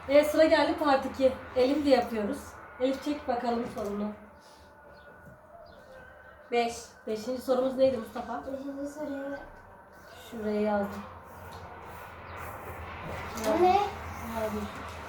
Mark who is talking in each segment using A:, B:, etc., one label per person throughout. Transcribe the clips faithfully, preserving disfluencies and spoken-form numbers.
A: Evet, sıra geldi part iki. Elif de yapıyoruz. Elif çek bakalım sorunu.
B: Beş.
A: Beşinci sorumuz neydi Mustafa?
C: Beşinci soruyu.
A: Şuraya yazdım.
C: Bu ne?
A: Yazdım.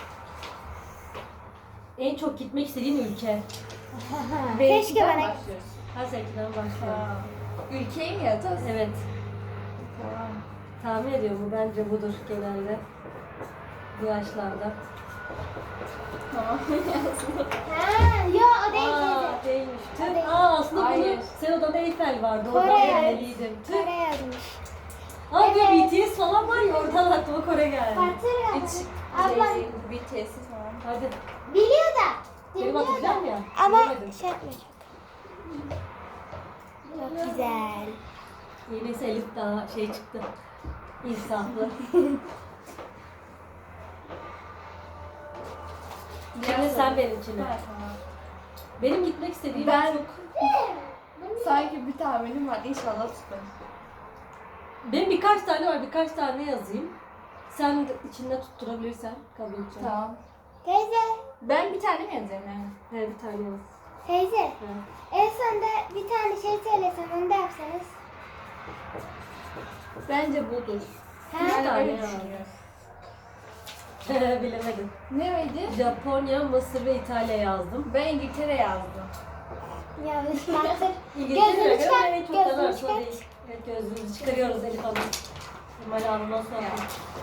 A: En çok gitmek istediğin ülke.
C: Keşke bana.
B: başlıyoruz.
A: Her sekiden başlıyorum.
B: Ülkeyi mi yazacağız?
A: Evet.
B: Tamam.
A: Tahmin ediyorum bu bence budur genelde. Bu yaşlarda.
B: Tamam.
C: Ha, yo o değil.
A: Aa
C: değil.
A: değilmiş.
C: O
A: Tüh.
C: değil.
A: Aa aslında
B: Hayır.
A: bunu sen odada Eyfel vardı.
C: Kore,
A: Oradan
C: evet.
A: gelmeliydim. Tüh.
C: Kore yazmış.
A: Aa bir
C: Evet.
A: B T S falan var ya oradan aklıma Kore geldi.
C: Partır
B: Hiç
C: yazmış. Abla
B: şey, bir tesis falan.
A: Hadi.
C: biliyor da.
A: Benim
C: Biliyor da.
A: atacağım ya.
C: Ama
A: bilemedim.
C: şey yapma çok. Çok güzel.
A: Yenisi Elif daha şey çıktı. İnsaflı. Şimdi sen benimkine.
B: Ha, tamam.
A: Benim gitmek istediğim
B: Ben
A: çok...
B: sanki bir tahminim var. İnşallah tutmaz.
A: Benim birkaç tane var, birkaç tane yazayım. Sen de içinde tutturabilirsen kabul edeceğim.
B: Tamam.
C: Teyze.
B: Ben bir tane mi yazacağım yani?
A: Evet, bir tane yaz.
C: Teyze.
A: Ha.
C: En sonunda bir tane şey söylesem onu da yapsanız.
B: Bence budur.
C: Ha?
B: Ben
A: tane
B: öyle
A: ya.
B: düşünüyorum.
A: Bilemedim.
B: Ne miydi?
A: Japonya, Mısır ve İtalya yazdım.
B: Ben İngiltere yazdım.
C: Yanlış baktır.
A: İngiltere
C: Gözünü
A: göre
C: çıkar,
A: en çok
C: gözünü
A: yazar,
C: çıkar.
A: değil. Evet, gözlüğümüzü çıkarıyoruz Elif Hanım. Kemal Hanım nasıl oldu?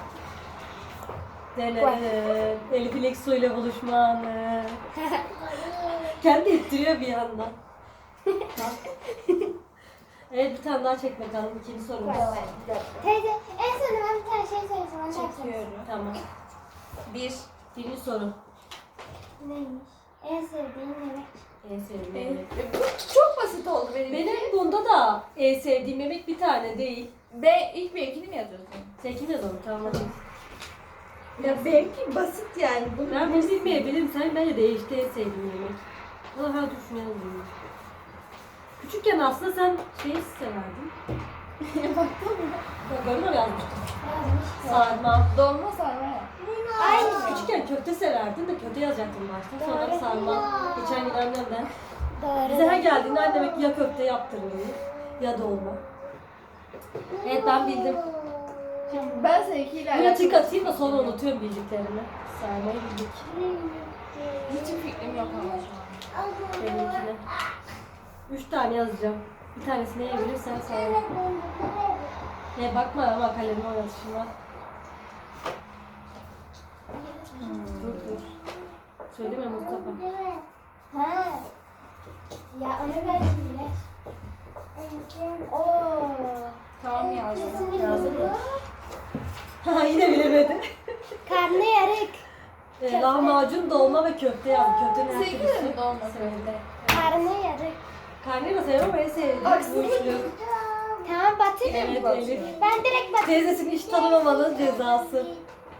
A: Dene, Elif İlek Su ile buluşma anı. Kendi ittiriyor bir yandan. Evet, bir tane daha çek bakalım. İkinci sorumuz.
C: Teyze en sonunda ben bir tane şey söylesem onu da yapsanız.
B: Çekiyorum.
A: Tamam.
B: Bir.
A: Birinci soru.
C: Neymiş? En sevdiğin yemek.
A: En sevdiğim
B: Benim.
A: yemek.
B: Bu çok basit oldu benim.
A: Benim bunda da en sevdiğim yemek bir tane değil.
B: Ben ilk benimkini mi yazıyorsun?
A: Sen kim yazalım? Tamam hadi.
B: Ya benimki basit yani. Bunu
A: Ben bunu bilmeyebilirim. Sen bence değişti en sevdiğim yemek. Valla ha düşünüyorum. Küçükken aslında sen şeyi severdin.
B: baktın mı?
A: Ya görmüyor yazmıştım.
C: Yazmış.
A: Sarma.
B: Dolma sarma ya.
C: Aynı.
A: Küçükken köfte severdin de köfte yazacaktım başta. Sonra
C: Doğru.
A: sarma. Geçen gün annemden.
C: Doğru.
A: Bize her geldiğinde annem ya köfte yaptırıyor ya dolma. Evet ben bildim.
B: Şimdi ben seninkiyle
A: Buraya tık atayım da sonra unutuyorum bildiklerimi. Sarmayı bildik.
B: hiçbir fikrim yok ama şu an.
A: Benimkine. Üç tane yazacağım. Bir tanesini yiyebilirsen sana. Ne bakma ama kalemin oynatışına. Dur dur. Söyleme Mustafa.
C: Ha. Ya onu ben bile. Oo.
B: Tamam yazdım.
C: Kesinlikle.
A: Yazdın mı? Ha yine bilemedi.
C: Karnıyarık.
A: Ee, lahmacun, dolma ve köfte yazdım. Köftenin her
B: Sekiz
A: türlüsü.
B: mi dolma?
A: Söyle.
C: Karnıyarık.
A: Karnıyı da seviyorum ama en sevdiğim bu
B: Haksızlık.
A: üçlü.
C: Tamam batırım.
A: Evet Elif.
C: Ben direkt batırım.
A: Teyzesini hiç tanımamanın cezası.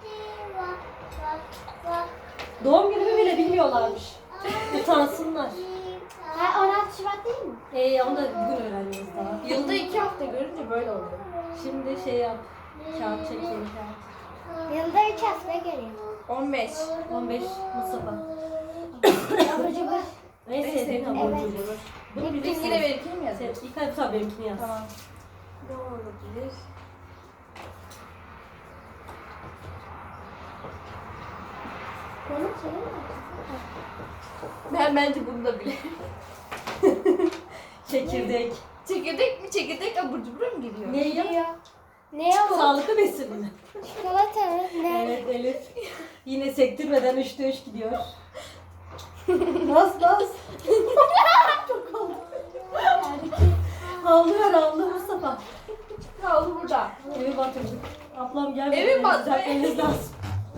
A: Doğum günümü bile bilmiyorlarmış. Utansınlar.
C: Ha, on altı Şubat değil mi?
A: Ee, onu da bugün öğreniyoruz daha.
B: Yılda iki hafta görünce böyle oldu.
A: Şimdi şey yap. Kağıt çekeyim.
C: Yılda üç hafta geliyor.
B: On beş.
A: on beş Mustafa.
C: Abur cubur.
A: En sevdiğin
B: sevdiğim
A: hamur
C: evet.
A: cubur. Bunu
B: Yine
A: bilirsin.
B: benimkini mi
A: Sen
B: yazıyorsun?
A: ilk ay tabii benimkini yaz.
B: Tamam. Ne olabilir?
C: Benim şeyim mi?
B: Ben bence bunu da bilirim.
A: Çekirdek.
B: Çekirdek mi? Çekirdek abur cubur mu giriyor?
A: Ne ya?
C: Diyor. Ne o?
A: Sağlıklı besin mi?
C: Çikolata mı? Ne?
A: Evet Elif. Yine sektirmeden üçte üç gidiyor. Nasıl nasıl? Çok oldu. Havlıyor havlu Mustafa.
B: Havlu burada.
A: Evi batırdık. Ablam gelmedi.
B: Evi batırdı.
A: Düzeltmeniz lazım.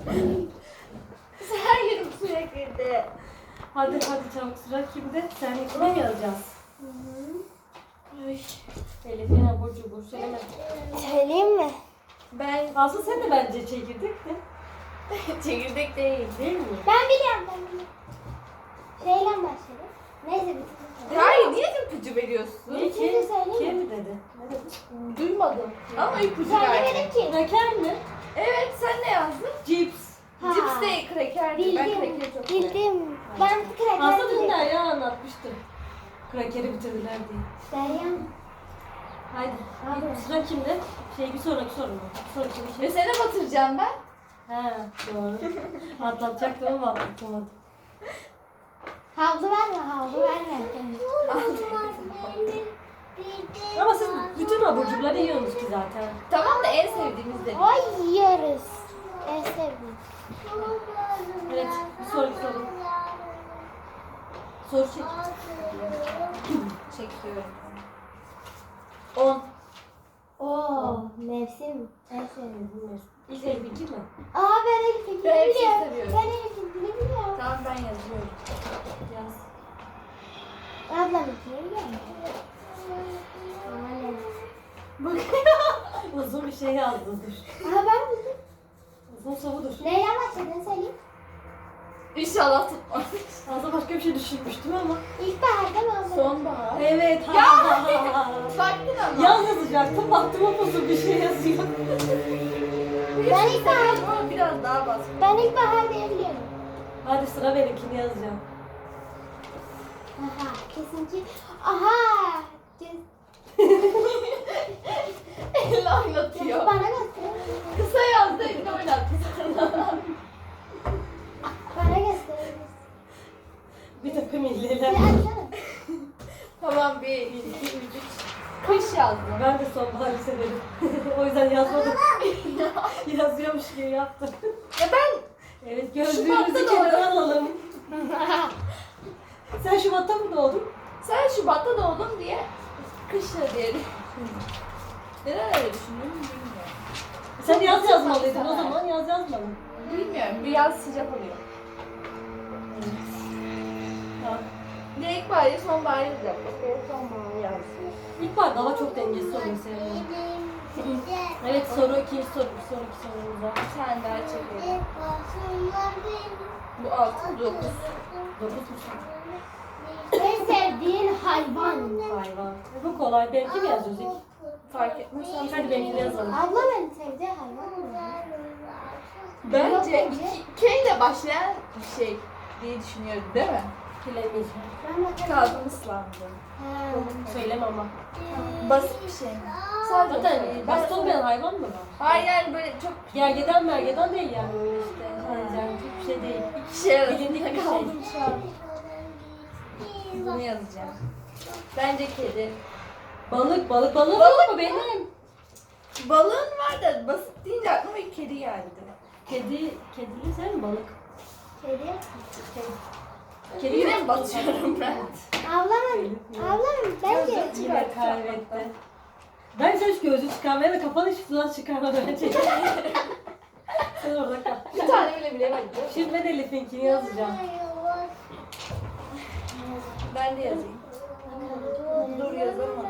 B: Her yerim suya girdi.
A: Hadi hadi çabuk sıra kimde? Sen ikine mi yazacağız?
B: Ay.
A: Elif yine abur cubur söyleme.
C: Söyleyeyim mi?
B: Ben
A: Aslında sen de bence çekirdek de.
B: çekirdek değil.
A: Değil mi?
C: Ben biliyorum ben biliyorum. Şeyle başlayalım. Neyse bir
B: Hayır, niye ipucu veriyorsun?
A: Ne ki?
C: Şimdi söyleyeyim
A: Kim
C: mi?
A: mi dedi? Ne dedi?
B: Duymadım. Ama ipucu
C: Söylemedim
B: verdim.
C: ki.
A: Kraker mi?
B: Evet, sen ne yazdın?
A: Cips.
C: Ha.
B: Cips değil, kraker. Ben
C: Bildim.
B: krakeri çok severim.
C: Bildim. Ben kraker
A: Aslında dün
C: diyecektim.
A: Derya anlatmıştı. Krakeri bitirdiler diye.
C: Derya.
A: Haydi.
C: Abi.
A: Sıra kimde? Şey bir sonraki soru mu? Bir sonraki bir
B: Ve
A: şey.
B: seni batıracağım ben.
A: He doğru. Atlatacaktım ama atlatamadım.
C: Havlu verme, havlu verme.
A: Ama siz bütün abur cuburları yiyorsunuz ki zaten.
B: Tamam da en sevdiğimiz de.
C: Ay yiyoruz. En sevdiğim.
A: Evet, bir sonraki soru. Soru çek.
B: Çekiyorum.
A: on.
C: Oo, mevsim. En sevdiğim.
A: İlk el bilgi mi?
C: Aa ben Elif'inkini
B: Ben hepsini
C: biliyorum.
B: seviyorum.
C: Ben Elif'inkini biliyorum.
B: Tamam ben yazıyorum.
A: Yaz.
C: Ablamınkini biliyorum. Aynen.
A: Uzun bir şey yazdın dur.
C: Aha ben bildim.
A: Uzun sorudur.
C: Neyle başladın söyleyeyim.
B: İnşallah tutmaz.
A: Aslında başka bir şey düşünmüştüm ama.
C: İlkbaharda mı ablam?
B: Sonbahar.
A: Evet.
B: Ya!
A: ha.
B: Baktın ama.
A: Yaz yazacaktım. Baktım o uzun bir şey yazıyor.
C: Ben ilkbahar,
B: Ama biraz daha bas.
C: ben ilkbahar diye biliyorum.
A: Hadi sıra benimkini yazacağım.
C: Aha kesin ki. Aha. Kes-
B: Elle oynatıyor.
C: Bana göster.
B: Kısa yazdı elle oynattı sana.
C: Bana göster.
A: Bir takım
C: Bir
A: illeler.
C: açsana.
B: Tamam bir, iki, üç. Kış yazdım.
A: Ben de sonbaharı severim. O yüzden yazmadım. Yazıyormuş gibi yaptım.
B: Ya ben
A: Evet
B: Şubat'ta
A: gözlüğümüzü
B: doğdum.
A: kenara alalım. Sen Şubat'ta mı doğdun?
B: sen Şubat'ta doğdun diye kışla diye neden öyle düşündün bilmiyorum.
A: Sen yaz
B: Çok
A: yazmalıydın o
B: güzel.
A: zaman yaz yazmadın.
B: Bilmiyorum bir yaz sıcak oluyor.
A: Tamam.
B: Ya ilkbahar ya sonbahar yazacak. Bak sonbahar yazdım.
A: İlkbahar daha çok dengesiz oluyor senin. Evet soru ikinci soru bir sonraki sorumuza.
B: Bir tane daha çekelim. Bu altı, dokuz.
A: Dokuz musun?
C: En sevdiğin hayvan.
A: Hayvan. E, Bu kolay. Benimki mi yazıyoruz ilk?
B: Fark etmez. sen
A: Hadi benimkini yazalım.
C: Ablam en sevdiği hayvan mı?
B: Bence
C: Yok,
B: iki, K ile başlayan bir şey diye düşünüyorum değil mi?
A: Bilemeyeceğim.
C: Ben bakarım.
B: Kalbim ıslandı.
C: Ha.
A: Söyleme ama.
B: Basit bir şey mi? Sadece
A: Zaten
B: ben-
A: basit olmayan hayvan mı var?
B: Hayır yani böyle çok
A: Gergedan mergedan değil yani öyle işte. Yani çok bir şey değil.
B: iki şey arasında
A: Bilindik bir şey.
B: kaldım şu an. Bunu yazacağım. Bence kedi.
A: Balık, balık, balık,
B: Balık
A: mı benim?
B: Balığın var da basit deyince aklıma bir kedi geldi.
A: Kedi, kedili sen mi balık?
C: Kedi.
A: Kedi
B: Yine
A: mi?
B: mi batıyorum ben?
C: Ablamın, ablamın bence
B: Gözlük
A: Yine kaybetti. Ben sen şu gözü çıkarmaya da kafanı hiç sudan çıkarma bence. Sen orada kal.
B: Bir tane bile bilemedim.
A: Şimdi ben Elif'inkini yazacağım.
B: Ben de yazayım. Dur yazamadım.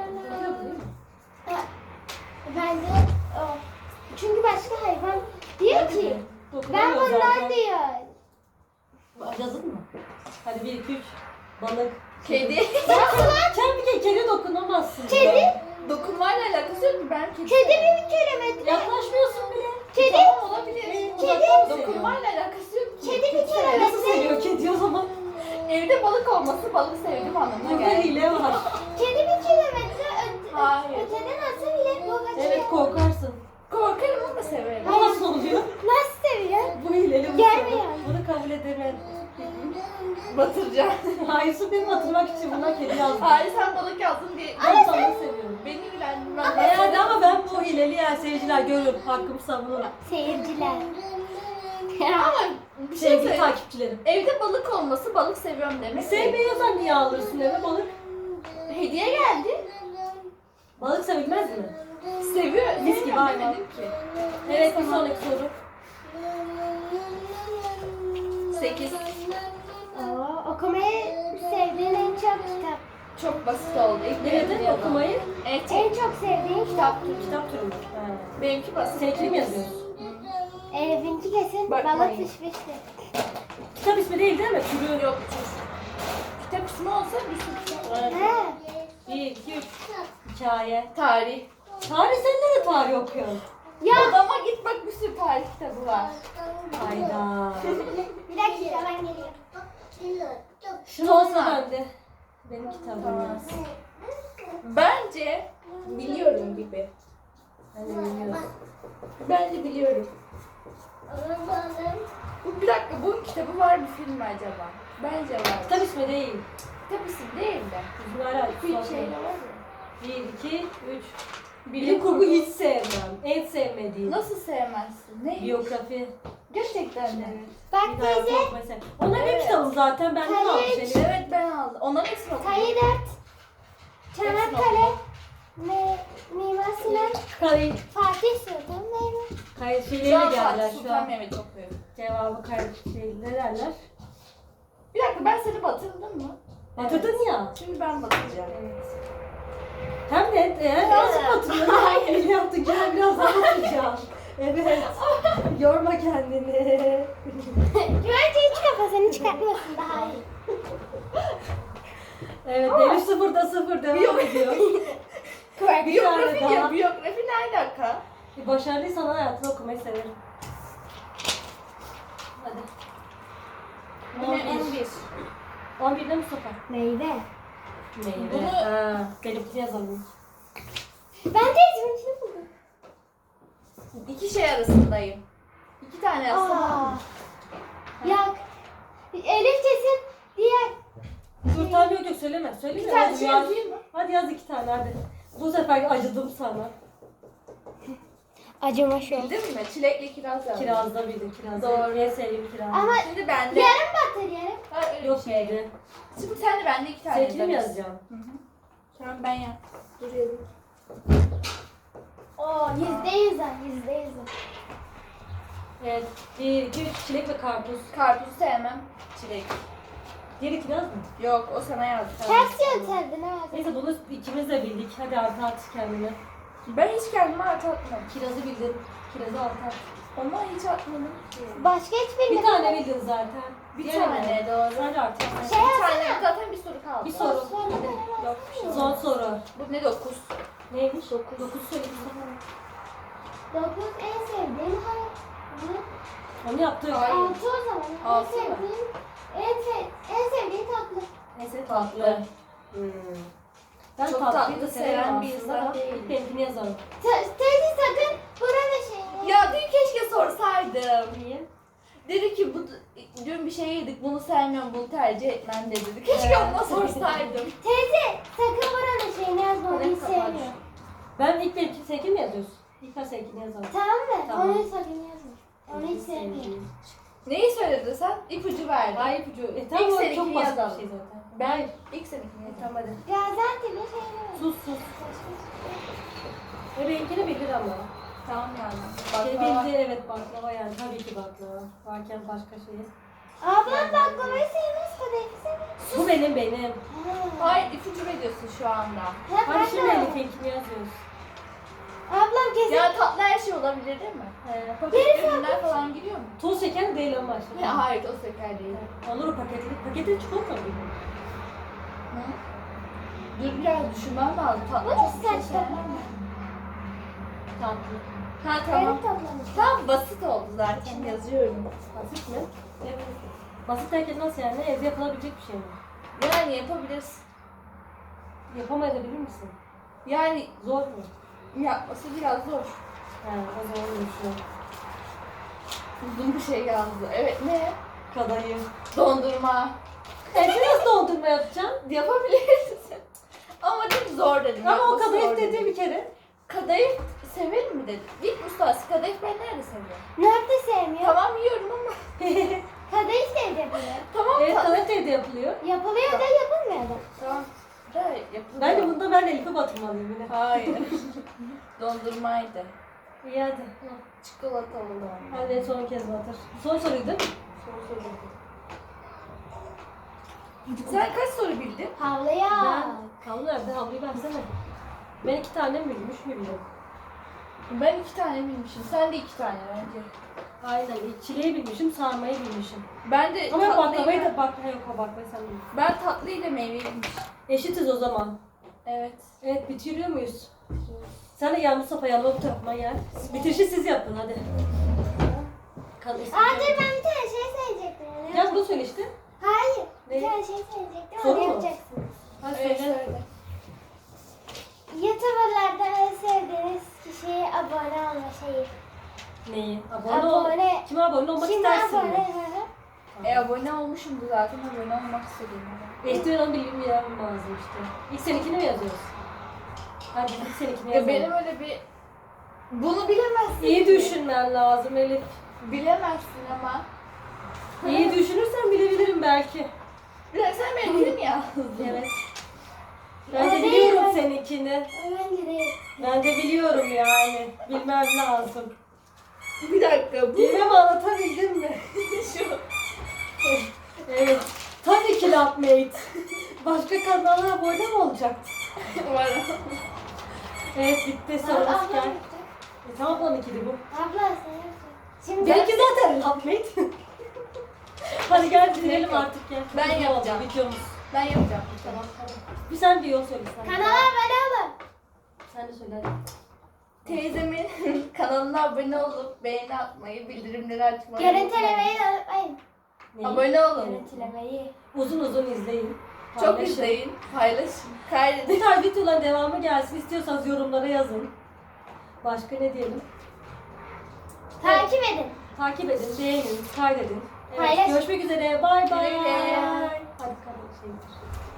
C: bence o. Çünkü başka hayvan diyor ki ben
A: Dokunamıyor
C: bundan
A: zaten.
C: diyor.
A: Yazın mı? Hadi bir, iki, üç. Balık.
B: Kedi.
A: Nasıl lan? Sen bir kere kedi dokunamazsın.
C: Kedi.
B: Dokunmayla alakası yok ki ben kedi.
C: Kedi bir kilometre.
A: Yaklaşmıyorsun bile.
C: Kedi.
B: Tamam olabilir.
A: Uzaktan mı seviyor?
B: Dokunmayla alakası yok ki.
C: Kedi bir
A: Nasıl
C: kilometre.
A: seviyor kedi o zaman?
B: Evde balık olması balık sevdim anlamına
A: Burada
B: geldi.
A: hile var.
C: Kedi bir kilometre öte,
B: Hayır.
C: öteden atsa bile bu kaçıyor.
A: Evet korkarsın.
B: Korkarım ama severim.
A: Bu nasıl oluyor?
C: Nasıl seviyor?
A: Bu hileli bu
C: Gelmiyor.
A: soru. Bunu kabul edemem.
B: Batıracağım.
A: Hayır su benim hatırlamak için buna kedi yazdım.
B: Hayır sen balık yazdın diye.
A: Ben balığı seviyorum.
B: Beni ilgilendirmez.
A: E hadi ama ben bu hileli yer seyirciler görün. Hakkımı savunurum.
C: Seyirciler.
B: Ama bir şey
A: Sevgili
B: söyleyeyim.
A: takipçilerim.
B: Evde balık olması balık seviyorum demek.
A: Sevmiyorsan niye alırsın eve balık?
B: Hediye geldi.
A: Balık sevilmez mi?
B: Seviyor.
A: Mis gibi hayvan.
B: demedim ki.
A: Evet bir sonraki soru.
B: Sekiz.
C: Oo, okumayı sevdiğin en çok kitap.
B: Çok basit oldu. İlk
A: Ne
B: dedim
A: dedin
B: ya.
A: okumayı?
B: Evet.
C: En çok sevdiğin kitap.
A: Kitap türü mü? Ha.
B: Benimki basit.
A: Seninkini mi yazıyorsun?
C: Elif'inki kesin
B: Bakmayın.
C: balık pişmişti.
A: Kitap ismi değil değil mi? Türü.
B: Yok. Kitap ismi olsa bir sürü kitap var.
C: He.
A: Bir, iki, üç. Hikaye.
B: Tarih.
A: Tarih sen nerede tarih okuyorsun?
C: Ya.
B: Odama git bak, bir sürü tarih kitabı var.
A: Hayda.
C: Bir dakika ben geliyorum.
A: Şunu olsa bende. Benim kitabım
B: Tamam.
A: yaz.
B: Bence biliyorum gibi.
A: Ben de bilmiyorum.
B: Bence biliyorum. Bu bir dakika, bunun kitabı var bir film mi acaba? Bence var.
A: Kitap ismi değil.
B: Kitap isim değil de.
A: Bizim hala
B: Bir şeyle var ya.
A: Bir, iki, üç.
B: Bilim
A: Bilim kurgu hiç sevmem. En sevmediğim.
B: Nasıl sevmezsin? Ne?
A: Biyografi.
B: Gerçekten mi?
C: Bak
A: Bir daha
C: teyze.
A: yok mesela. Onlar benim
B: Evet.
A: kitabım zaten. Ben de
C: Hayır.
A: almış elim.
B: Evet, ben aldım. Onların hepsini okudum.
C: Kayı dört. Çanakkale. Me, Mimar Sinan.
A: Kayıt.
C: Fatih Sultan Mehmet.
A: Kayıt
B: Şu
A: şeyleri
B: an
A: geldiler
B: Fatih
A: şu
B: Sultan
A: an.
B: Mehmet okuyorum.
A: Cevabı kayıt şey ne derler?
B: Bir dakika, ben seni batırdım mı?
A: Batırdın ya.
B: Şimdi ben batıracağım.
A: Evet. Hem de eğer nasıl batırıyorsun? Hayır yaptık. Gel biraz daha batıracağım. Evet. Yorma kendini.
C: Güvence hiç kafasını çıkartmasın daha iyi.
A: Evet, Elif sıfırda sıfır devam ediyor.
B: Biyografi
A: daha.
B: ya, biyografi ne alaka?
A: E, Başarılıysan hayatını okumayı severim. Hadi.
B: Yine on bir.
A: on birde Mustafa.
C: Meyve.
A: Meyve.
B: Bunu-
A: Ha, benimkini yazalım.
C: Ben teyzemin içini buldum.
B: İki şey arasındayım. İki tane yazsam.
C: Aa. Yak. Elif kesin diğer.
A: Dur tamam yok yok söyleme. Söyleme.
B: Bir tane
A: Hadi
B: şey
A: yaz.
B: yazayım mı?
A: Hadi yaz iki tane hadi. Bu sefer acıdım sana.
C: Acıma şu.
B: Bildin mi? Çilekli kiraz yazdım.
A: Kirazda bildim kirazda.
B: Doğru.
A: En sevdiğim kiraz.
C: Ama
B: Şimdi bende.
C: yarım batır yarım.
B: Ha, öyle
A: Yok
B: bir şey.
A: şeydi.
B: Şimdi sen de bende iki tane
A: Seninkini mi
B: yazarız.
A: yazacağım?
B: Hı hı. Tamam, ben yap. Dur yazayım.
C: Oo yüzde yüz al yüzde yüz al.
A: Evet. Bir, iki, üç çilek ve karpuz.
B: Karpuzu sevmem. Çilek.
A: Diğeri kiraz mı?
B: Yok, o sana yazdı.
C: Ters yönteldin ha.
A: Neyse bunu ikimiz de bildik. Hadi artı at kendine.
B: Ben hiç kendime artı atmadım.
A: Kirazı bildin. Kirazı artı at.
B: Ama hiç atmadım ki.
C: Başka hiçbir
A: Bir tane bildin zaten.
B: Bir
A: Diğeri
B: tane
A: ne?
B: doğru.
A: Sadece artı at.
C: Şey
B: Bir tane,
C: yapsana.
B: zaten bir soru kaldı.
A: Bir soru.
B: Hadi. Yok bir şey.
A: Son soru.
B: Bu ne, dokuz?
A: Neymiş? Dokuz. Dokuz söyle Mustafa.
C: Dokuz en sevdiğim hayvan.
A: Onu yaptık.
B: Hayır.
C: Altı o zaman. En
B: Altı mı?
C: sevdiğim, en, sev, en sevdiğim tatlı.
A: Neyse
B: Tatlı.
A: tatlı. Hmm. Ben
B: Çok
A: tatlıyı
B: tatlı
A: da
B: seven
A: severim
B: bir
A: aslında
B: insan
A: da
B: değilim.
A: benimkini yazalım.
C: Te- Teyze sakın buranın şeyini.
B: Ya dün keşke sorsaydım.
A: Niye?
B: Dedi ki bu dün bir şey yedik, bunu sevmiyorum, bunu tercih etmem de dedi. Keşke ona sorsaydım.
C: Teyze sakın buranın şeyini yazma. Onu
B: Hadi
C: hiç
B: kapat.
C: sevmiyorum.
A: Ben ilk benimki seninkini mi yazıyorsun? İlk ben seninkini yazalım.
C: Tamam mı?
A: Tamam.
C: Onu sakın yazma. Onu hiç sevmiyorum.
B: Neyi söyledin sen? İpucu verdin.
A: Hayır ipucu. E
B: İlk
A: tamam o
B: seninkini
A: çok basit bir
B: yazalım.
A: şey zaten.
B: Ben ilk seninkini
A: E,
B: yedim.
A: tamam hadi.
C: Gaziantep'in şeyini ver.
A: Sus sus. E benimkini bilir ama.
B: Tamam yani.
A: Şey
B: Baklava.
A: bildi evet baklava yani tabii ki baklava. Varken başka şey.
C: Ablam baklavayı sevmez, kadayıfı sevmez.
A: Bu benim benim.
C: Ha.
B: Hayır, ipucu veriyorsun şu anda.
C: Ha,
A: Hadi
C: pardon.
A: şimdi Elif'inkini yazıyoruz.
C: Ablam kesin.
B: Ya tatlı her şey olabilir değil mi?
A: Ee,
B: Paket ürünler falan giriyor mu?
A: toz şeker değil ama işte.
B: Ya, hayır, o şeker değil.
A: Olur o paketli. Paketli çikolata mı?
B: Hı? Dur biraz düşünmem lazım. Tatlı
C: Bu
B: çok
C: nasıl
B: bir şey
C: saçma?
B: sevmem ben.
A: Tatlı.
B: Ha
C: Benim
B: tamam.
C: toplamış.
B: Tamam, basit oldu zaten, yazıyorum.
A: Basit mi? Evet. Basit derken nasıl yani? Evde yapılabilecek bir şey mi?
B: Yani yapabilirsin.
A: Yapamayabilir misin?
B: Yani
A: Zor mu?
B: yapması biraz zor.
A: He o zaman öyle düşünüyorum.
B: Uzun bir şey yazdı. Evet, ne?
A: Kadayıf.
B: Dondurma.
A: Evde nasıl dondurma yapacaksın?
B: Yapabilirsin. Ama çok zor dedim.
A: Ama o
B: yapması zor
A: kadayıf
B: dedim.
A: dedi bir kere.
B: Kadayıf severim mi dedi. Vip ustası kadayıf ben nerede seviyorum?
C: Nerede sevmiyor?
B: Tamam, yiyorum ama.
C: Kadayıf da evde yapılıyor.
B: Tamam,
A: Evet
B: ta-
A: kadayıf da evde yapılıyor.
C: Yapılıyor da yapılmıyor da.
B: Tamam. Da yapılıyor.
A: Bence bunda ben Elif'e batırmalıyım yine.
B: Hayır. Dondurmaydı.
A: İyi hadi.
B: Çikolatalı dondurma.
A: Hadi son kez batır. Son soruydu değil mi?
B: Son soru. Sen kaç soru bildin?
C: Havlaya.
A: Ben havlu nerede? Havluyu versene. Ben iki tane mi bilmiş miyim?
B: Ben iki tane bilmişim. Sen de iki tane bence.
A: Aynen. Çileği bilmişim, sarmayı bilmişim.
B: Ben de
A: Ama
B: tatlıyı-
A: baklavayı da bakla yok o baklavayı sen bilmişsin.
B: Ben tatlıyı da meyveyi bilmişim.
A: Eşitiz o zaman.
B: Evet.
A: Evet bitiriyor muyuz? Sen de gel Mustafa yanıma bu tarafıma gel. Bitirişi siz yapın hadi. Kan
C: Aa dur ben bir tane şey söyleyecektim. Ne
A: Gel bunu söyle işte.
C: Hayır.
A: Ne?
C: Bir tane şey söyleyecektim.
A: Soru
C: Onu
A: mu?
C: yapacaksınız.
A: Hadi
B: Evet,
A: söyle.
B: söyle.
C: YouTuber'lardan en sevdiğiniz kişiye abone olma şeyi.
A: Neyi? Abone, ol.
C: Abone.
A: Kime abone olmak
C: Şimdi
A: istersin?
C: abone.
A: mi?
C: Hı hı.
B: E abone olmuşumdu zaten, abone olmak istedim.
A: İşte onu bilmem lazım işte. İlk seninkini mi yazıyoruz? Hadi ilk seninkini
B: Ya
A: yazalım.
B: benim öyle bir... Bunu bilemezsin.
A: İyi
B: ki.
A: düşünmen lazım Elif.
B: Bilemezsin ama.
A: İyi düşünürsen bilebilirim belki.
B: Bir dakika sen benim dilim ya.
A: Evet. Ben de
C: O değil
A: biliyorum
C: mi?
A: seninkini.
C: Bence değil.
A: Ben de biliyorum yani. Bilmem lazım.
B: Bir dakika bu.
A: Bilmem anlatabildim mi?
B: Şu.
A: Evet. Tabii ki Lapmate. Başka kanallara abone mi olacaktı?
B: Var.
A: Evet bitti
C: Abla
A: sorumuz
C: abla.
A: gel. E, tamam onunkiydi bu.
C: Abla sen yap. Şimdi
A: Benimki zaten Lapmate. Hadi gel bitirelim artık gel.
B: Ben
A: Video
B: yapacağım.
A: oldu, Videomuz.
B: Ben yapacağım.
A: Tamam tamam. Bir sen bir yol söyle sen.
C: kanala abone olun.
A: Sen de söyle.
B: Teyzemin kanalına abone olup beğeni atmayı, bildirimleri açmayı
C: Görüntülemeyi de unutmayın.
A: Neyi?
B: Abone olun.
C: Görüntülemeyi.
A: Uzun uzun izleyin.
B: Çok
A: Paylaşın.
B: izleyin, paylaşın,
A: Bu
B: kaydedin.
A: tarz videoların devamı gelsin. İstiyorsanız yorumlara yazın. Başka ne diyelim?
C: Takip edin.
A: Takip edin, beğenin, kaydedin. Evet,
C: Paylaşın.
A: görüşmek üzere. Bay bay.
B: Güle güle.
A: Hadi kalın. Şey.